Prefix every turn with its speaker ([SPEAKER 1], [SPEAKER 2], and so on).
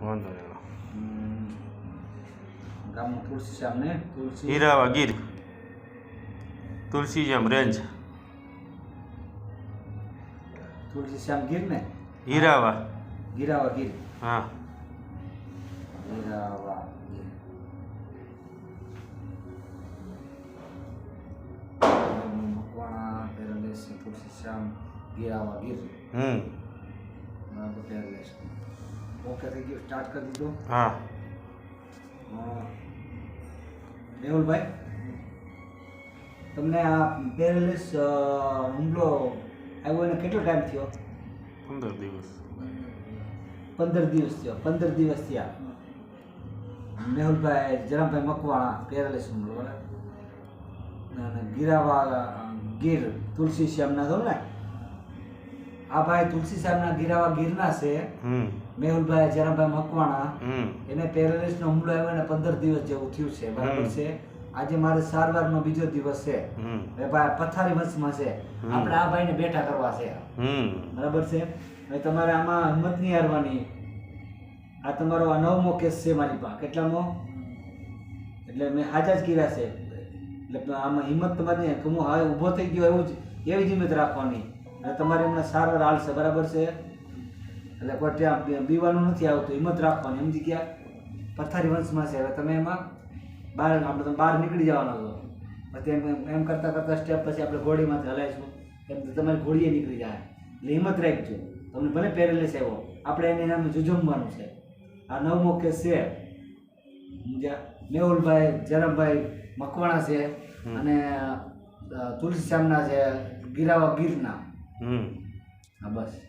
[SPEAKER 1] વાંધો નહીં.
[SPEAKER 2] ગામનું તુલસીશ્યામ ને તુલસી
[SPEAKER 1] હીરાવા ગીર તુલસીશ્યામ રેન્જ
[SPEAKER 2] તુલસીશ્યામ ગીર ને
[SPEAKER 1] હીરાવા
[SPEAKER 2] ગીરાવા ગીર
[SPEAKER 1] હા
[SPEAKER 2] ગીરાવા ગીર મકવાણા પેરેલેસ તુલસીશ્યામ ગીરાવા ગીર બરાબર પેરેલેસ ઓકે થઈ ગયું સ્ટાર્ટ કરી દીધું
[SPEAKER 1] હા
[SPEAKER 2] મેહુલભાઈ તમને આ પેરેલેસ હુમલો આવ્યો એને કેટલો ટાઈમ થયો
[SPEAKER 1] 15 દિવસ
[SPEAKER 2] 15 દિવસ થયો 15 દિવસ થયા મેહુલભાઈ જરામભાઈ મકવાણા પેરેલેસ હુમલો બરાબર અને ગીરાવા ગીર તુલસીશ્યામના છો ને આ ભાઈ તુલસીશ્યામના ગીરાવા ગીરના છે મેહુલભાઈ જરામભાઈ મકવાણા એને પેરેલિસનો હુમલો આવ્યો અને 15 દિવસ જેવું થયું છે બરાબર છે આજે મારે સારવારનો બીજો દિવસ છે ભાઈ પથારી વંશમાં છે આપણે આ ભાઈને બેઠા કરવા છે બરાબર છે હવે તમારે આમાં હિંમત નહીં હારવાની આ તમારો આ 9મો કેસ છે મારી પાસે કેટલામો એટલે મેં હાજા જ કર્યા છે એટલે આમાં હિંમત તમારી નહીં હું હવે ઊભો થઈ ગયો એવું જ એવી જ હિંમત રાખવાની અને તમારે હમણાં સારવાર હાલશે બરાબર છે એટલે કોઈ ત્યાં બીવાનું નથી આવતું હિંમત રાખવાની સમજી ગયા પથારી વંશમાં છે હવે તમે એમાં બહાર આપણે તમે બહાર નીકળી જવાનો છો પછી એમ કરતાં કરતાં સ્ટેપ પછી આપણે ઘોડીમાંથી હલાવીશું એમ તમારી ઘોડીએ નીકળી જાય એટલે હિંમત રાખજો તમને ભલે પેરેલિસ આવ્યો આપણે એને નામે જુજમવાનું છે આ 9મો કેસ છે સમજ્યા મેહુલભાઈ જરામભાઈ મકવાણા છે અને તુલસીશ્યામના છે ગીરાવા ગીરના હા બસ